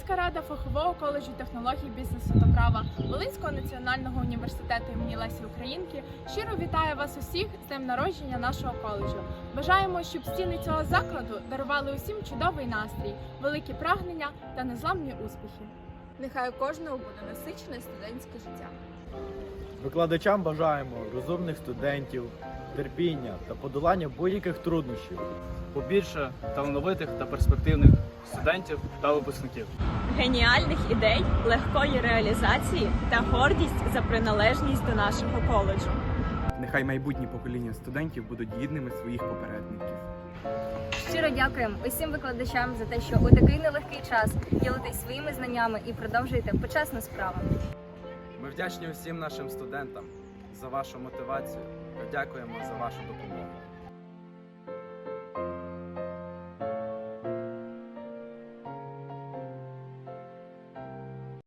Студентська рада фахового коледжу технологій, бізнесу та права Волинського національного університету імені Лесі Українки щиро вітає вас усіх з днем народження нашого коледжу. Бажаємо, щоб стіни цього закладу дарували усім чудовий настрій, великі прагнення та незламні успіхи. Нехай у кожного буде насичене студентське життя. Викладачам бажаємо розумних студентів, терпіння та подолання будь-яких труднощів. Побільше талановитих та перспективних студентів та випускників. Геніальних ідей, легкої реалізації та гордість за приналежність до нашого коледжу. Нехай майбутні покоління студентів будуть гідними своїх попередників. Щиро дякуємо усім викладачам за те, що у такий нелегкий час ділитесь своїми знаннями і продовжуєте почесну справу. Ми вдячні усім нашим студентам за вашу мотивацію та дякуємо за вашу допомогу.